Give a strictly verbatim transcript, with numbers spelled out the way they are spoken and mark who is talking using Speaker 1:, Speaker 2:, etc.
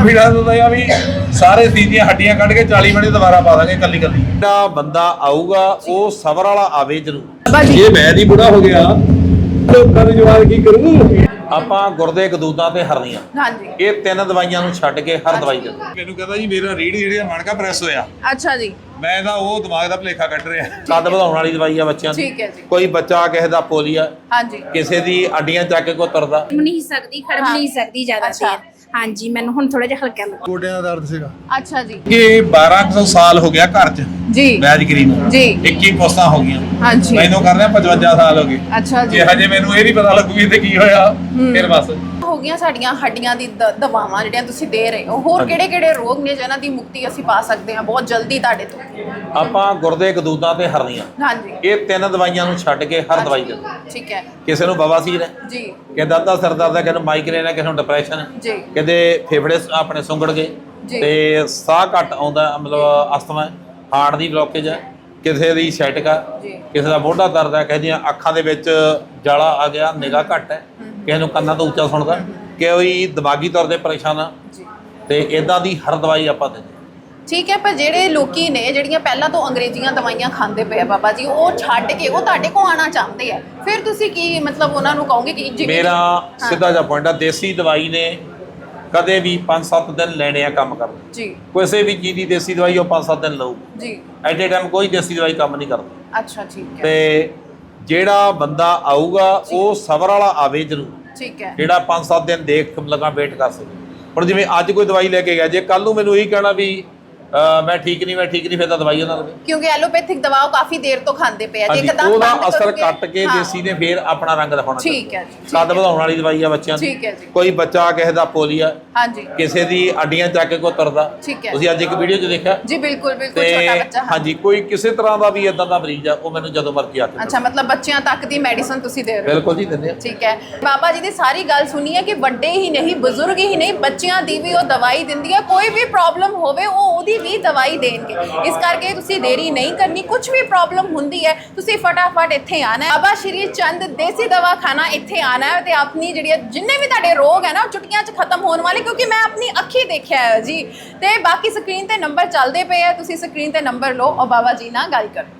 Speaker 1: Confidence ਹੁੰਦਾ ਆ ਵੀ ਸਾਰੇ ਸੀਨ ਦੀਆਂ ਹੱਡੀਆਂ ਕੱਢ ਕੇ ਚਾਲੀ ਮਿੰਟ ਦੁਬਾਰਾ ਪਾ ਦਾਂਗੇ ਕੱਲੀ ਕੱਲੀ। ਜਿਹੜਾ ਬੰਦਾ ਆਊਗਾ ਉਹ ਸਬਰ ਵਾਲਾ ਆਵੇ ਜਰੂਰ। ਇਹ ਮੈਂ ਦੀ ਬੁੜਾ ਹੋ ਗਿਆ ਲੋਕਾਂ ਨੂੰ ਜਵਾਬ ਕੀ ਕਰੂ। ਆਪਾਂ ਗੁਰਦੇ ਕਦੂਦਾਂ ਤੇ ਹਰਨੀਆਂ, ਹਾਂਜੀ, ਇਹ ਤਿੰਨ ਦਵਾਈਆਂ ਨੂੰ ਛੱਡ ਕੇ ਹਰ ਦਵਾਈ ਦੇ। ਮੈਨੂੰ ਕਹਿੰਦਾ ਜੀ ਮੇਰਾ ਰੀੜ ਜਿਹੜੀ ਮਣਕਾ ਪ੍ਰੈਸ ਹੋਇਆ। ਅੱਛਾ ਜੀ। ਮੈਂ ਤਾਂ ਉਹ ਦਿਮਾਗ ਦਾ ਭਲੇਖਾ ਕੱਢ ਰਿਹਾ। ਕੱਦ ਵਧਾਉਣ ਵਾਲੀ ਦਵਾਈ ਆ ਬੱਚਿਆਂ ਦੀ। ਠੀਕ ਹੈ ਜੀ। ਕੋਈ ਬੱਚਾ ਕਿਸੇ ਦਾ ਪੋਲੀਆ, ਹਾਂਜੀ, ਕਿਸੇ ਦੀ ਅੱਡੀਆਂ ਚੱਕ ਕੇ ਕੋ ਤੁਰਦਾ
Speaker 2: ਨਹੀਂ ਸਕਦੀ, ਖੜ ਨਹੀਂ ਸਕਦੀ ਜ਼ਿਆਦਾ ਦੇਰ। ਹਾਂਜੀ, ਮੈਨੂੰ ਹੁਣ ਥੋੜਾ ਜਿਹਾ ਹਲਕਾ ਲੱਗਾ।
Speaker 3: ਗੋਡਿਆਂ ਦਾ ਦਰਦ ਸੀਗਾ।
Speaker 1: ਅੱਛਾ ਜੀ। ਇਹ ਬਾਰਾਂ ਸੌ ਸਾਲ ਹੋ ਗਿਆ ਘਰ 'ਚ ਜੀ ਵੈਦਗਰੀ ਨੂੰ ਜੀ। ਇੱਕੀ ਪੋਸਤਾਂ ਹੋ ਗਈਆਂ। ਹਾਂਜੀ, ਮੈਨੂੰ ਕਰ ਰਿਹਾ ਪਚਵੰਜਾ ਸਾਲ ਹੋ ਗਏ। ਅੱਛਾ ਜੀ। ਜੇ ਹਜੇ ਮੈਨੂੰ ਇਹ ਨਹੀਂ ਪਤਾ ਲੱਗੂ ਵੀ ਤੇ ਕੀ ਹੋਇਆ ਫਿਰ ਬਸ ਹੋ ਗਈਆਂ ਸਾਡੀਆਂ ਹੱਡੀਆਂ ਦੀ ਦਵਾਵਾਂ ਜਿਹੜੀਆਂ ਤੁਸੀਂ ਦੇ ਰਹੇ ਹੋ। ਹੋਰ ਕਿਹੜੇ ਕਿਹੜੇ ਰੋਗ ਨੇ ਜਿਹਨਾਂ ਦੀ ਮੁਕਤੀ ਅਸੀਂ ਪਾ ਸਕਦੇ ਹਾਂ ਬਹੁਤ ਜਲਦੀ ਤੁਹਾਡੇ ਤੋਂ? ਆਪਾਂ ਗੁਰਦੇ ਕਦੂਦਾਂ ਤੇ ਹਰਨੀਆਂ, ਹਾਂਜੀ, ਇਹ ਤਿੰਨ ਦਵਾਈਆਂ ਨੂੰ ਛੱਡ ਕੇ ਹਰ ਦਵਾਈ ਦੇ। ਠੀਕ ਹੈ। ਕਿਸੇ ਨੂੰ ਬਵਾਸੀਰ ਹੈ ਜੀ, ਕਿਸੇ ਦਾ ਸਿਰ ਦਰਦ ਹੈ, ਕਿਸੇ ਨੂੰ ਮਾਈਗ੍ਰੇਨ ਹੈ, ਕਿਸੇ ਨੂੰ ਡਿਪਰੈਸ਼ਨ ਹੈ ਜੀ, ਕਿਤੇ ਫੇਫੜੇ ਆਪਣੇ ਸੁੰਗੜ ਗਏ ਤੇ ਸਾਹ ਘੱਟ ਆਉਂਦਾ, ਮਤਲਬ ਅਸਥਮਾ, ਹਾਰਟ ਦੀ ਬਲੋਕੇਜ ਹੈ, ਕਿਸੇ ਦੀ ਸਾਈਟਿਕ ਆ, ਕਿਸੇ ਦਾ ਮੋਢਾ ਦਰਦ ਹੈ, ਕਿਸੇ ਦੀਆਂ ਅੱਖਾਂ ਦੇ ਵਿੱਚ ਜਾਲਾ ਆ ਗਿਆ, ਨਿਗਾਹ ਘੱਟ ਹੈ, ਕਿਸੇ ਨੂੰ ਕੰਨਾਂ ਤੋਂ ਉੱਚਾ ਸੁਣਦਾ, ਕੋਈ ਦਿਮਾਗੀ ਤੌਰ ਤੇ ਪਰੇਸ਼ਾਨ ਆ ਤੇ ਇਦਾਂ ਦੀ ਹਰ ਦਵਾਈ ਆਪਾਂ ਦਿੰਦੇ। ਠੀਕ ਹੈ। ਪਰ ਜਿਹੜੇ ਲੋਕੀ ਨੇ ਜਿਹੜੀਆਂ ਪਹਿਲਾਂ ਤੋਂ ਅੰਗਰੇਜ਼ੀਆਂ ਦਵਾਈਆਂ ਖਾਂਦੇ ਪਏ ਆ ਬਾਬਾ ਜੀ, ਉਹ ਛੱਡ ਕੇ ਉਹ ਤੁਹਾਡੇ ਕੋਲ ਆਉਣਾ ਚਾਹੁੰਦੇ ਆ, ਫਿਰ ਤੁਸੀਂ ਕੀ ਮਤਲਬ ਉਹਨਾਂ ਨੂੰ ਕਹੋਗੇ ਕਿ ਜਿਵੇਂ? ਮੇਰਾ ਸਿੱਧਾ ਜਿਹਾ ਪੁਆਇੰਟ ਆ, ਦੇਸੀ ਦਵਾਈ ਨੇ ਕਦੇ ਵੀ ਪੰਜ ਸੱਤ ਦਿਨ ਲੈਣੇ ਆ ਕੰਮ ਕਰਨ ਜੀ। ਕਿਸੇ ਵੀ ਚੀਜ਼ ਦੀ ਦੇਸੀ ਦਵਾਈ ਉਹ ਪੰਜ ਸੱਤ ਦਿਨ ਲਊ ਜੀ। ਐਟ ਏ ਟਾਈਮ ਕੋਈ ਦੇਸੀ ਦਵਾਈ ਕੰਮ ਨਹੀਂ ਕਰਦੀ। ਅੱਛਾ, ਠੀਕ ਹੈ। ਤੇ ਜਿਹੜਾ ਬੰਦਾ ਆਊਗਾ ਉਹ ਸਬਰ ਵਾਲਾ ਆਵੇ ਜਰੂਰ। ਠੀਕ ਹੈ। ਜਿਹੜਾ ਪੰਜ ਸੱਤ ਦਿਨ ਦੇਖ ਲਗਾ ਵੇਟ ਕਰ ਸਕੇ। ਹੁਣ ਜਿਵੇਂ ਅੱਜ ਕੋਈ ਦਵਾਈ ਲੈ ਕੇ ਗਿਆ, ਜੇ ਕੱਲ ਨੂੰ ਮੈਨੂੰ ਇਹੀ ਕਹਿਣਾ ਵੀ ਮੈਂ ਠੀਕ ਨਹੀਂ ਮੈਂ ਠੀਕ ਨਹੀਂ, ਫਿਰ ਤਾਂ ਦਵਾਈ ਉਹਨਾਂ ਨੂੰ, ਕਿਉਂਕਿ ਐਲੋਪੈਥਿਕ ਦਵਾ ਕਾਫੀ ਦੇਰ ਤੋਂ ਖਾਂਦੇ ਪਏ ਆ, ਜੇ ਇੱਕਦਮ ਉਹਦਾ ਅਸਰ ਕੱਟ ਕੇ ਦੇਸੀ ਨੇ ਫਿਰ ਆਪਣਾ ਰੰਗ ਦਿਖਾਉਣਾ। ਠੀਕ ਹੈ ਜੀ। ਕੱਦ ਵਧਾਉਣ ਵਾਲੀ ਦਵਾਈ ਆ ਬੱਚਿਆਂ ਦੀ। ਠੀਕ ਹੈ ਜੀ। ਕੋਈ ਬੱਚਾ ਕਿਸੇ ਦਾ ਪੋਲੀਆ, ਹਾਂਜੀ, ਕਿਸੇ ਦੀ ਅੱਡੀਆਂ ਚੱਕ ਕੇ ਕੋ ਤੁਰਦਾ। ਠੀਕ ਹੈ। ਤੁਸੀਂ ਅੱਜ ਇੱਕ ਵੀਡੀਓ 'ਚ ਦੇਖਿਆ ਜੀ। ਬਿਲਕੁਲ ਬਿਲਕੁਲ, ਛੋਟਾ ਬੱਚਾ। ਹਾਂਜੀ, ਕੋਈ ਕਿਸੇ ਤਰ੍ਹਾਂ ਦਾ ਵੀ ਇਦਾਂ ਦਾ ਮਰੀਜ਼ ਆ, ਉਹ ਮੈਨੂੰ ਜਦੋਂ ਮਰਜ਼ੀ ਆ ਕੇ। ਅੱਛਾ, ਮਤਲਬ ਬੱਚਿਆਂ ਤੱਕ ਦੀ ਮੈਡੀਸਨ ਤੁਸੀਂ ਦੇ ਰਹੇ ਹੋ? ਬਿਲਕੁਲ ਜੀ, ਦਿੰਦੇ ਆ। ਠੀਕ ਹੈ। ਬਾਬਾ ਜੀ ਦੀ ਸਾਰੀ ਗੱਲ ਸੁਣੀ ਹੈ ਕਿ ਵੱਡੇ ਹੀ ਨਹੀਂ, ਬਜ਼ੁਰਗ ਹੀ ਨਹੀਂ, ਬੱਚਿਆਂ ਦੀ ਵੀ ਉਹ ਦਵਾਈ ਦਿੰਦੀ ਹੈ। ਕੋਈ ਵੀ ਪ੍ਰੋਬਲਮ ਹੋਵੇ ਉਹ ਉਹਦੀ ਵੀ ਦਵਾਈ ਦੇਣਗੇ। ਇਸ ਕਰਕੇ ਤੁਸੀਂ ਦੇਰੀ ਨਹੀਂ ਕਰਨੀ। ਕੁਝ ਵੀ ਪ੍ਰੋਬਲਮ ਹੁੰਦੀ ਹੈ ਤੁਸੀਂ ਫਟਾਫਟ ਇੱਥੇ ਆਣਾ ਹੈ। ਬਾਬਾ ਸ਼੍ਰੀ ਚੰਦ ਦੇਸੀ ਦਵਾਖਾਨਾ ਇੱਥੇ ਆਣਾ ਹੈ ਤੇ ਆਪਣੀ ਜਿਹੜੀ ਜਿੰਨੇ ਵੀ ਤੁਹਾਡੇ ਰੋਗ ਹੈ ਨਾ ਚੁਟਕੀਆਂ 'ਚ ਖਤਮ ਹੋਣ ਵਾਲੇ, ਕਿਉਂਕਿ ਮੈਂ ਆਪਣੀ ਅੱਖੀ ਦੇਖਿਆ ਹੈ ਜੀ। ਤੇ ਬਾਕੀ ਸਕਰੀਨ ਤੇ ਨੰਬਰ ਚੱਲਦੇ ਪਏ ਆ, ਤੁਸੀਂ ਸਕਰੀਨ ਤੇ ਨੰਬਰ ਲਓ ਔਰ ਬਾਬਾ ਜੀ ਨਾਲ ਗੱਲ ਕਰੋ।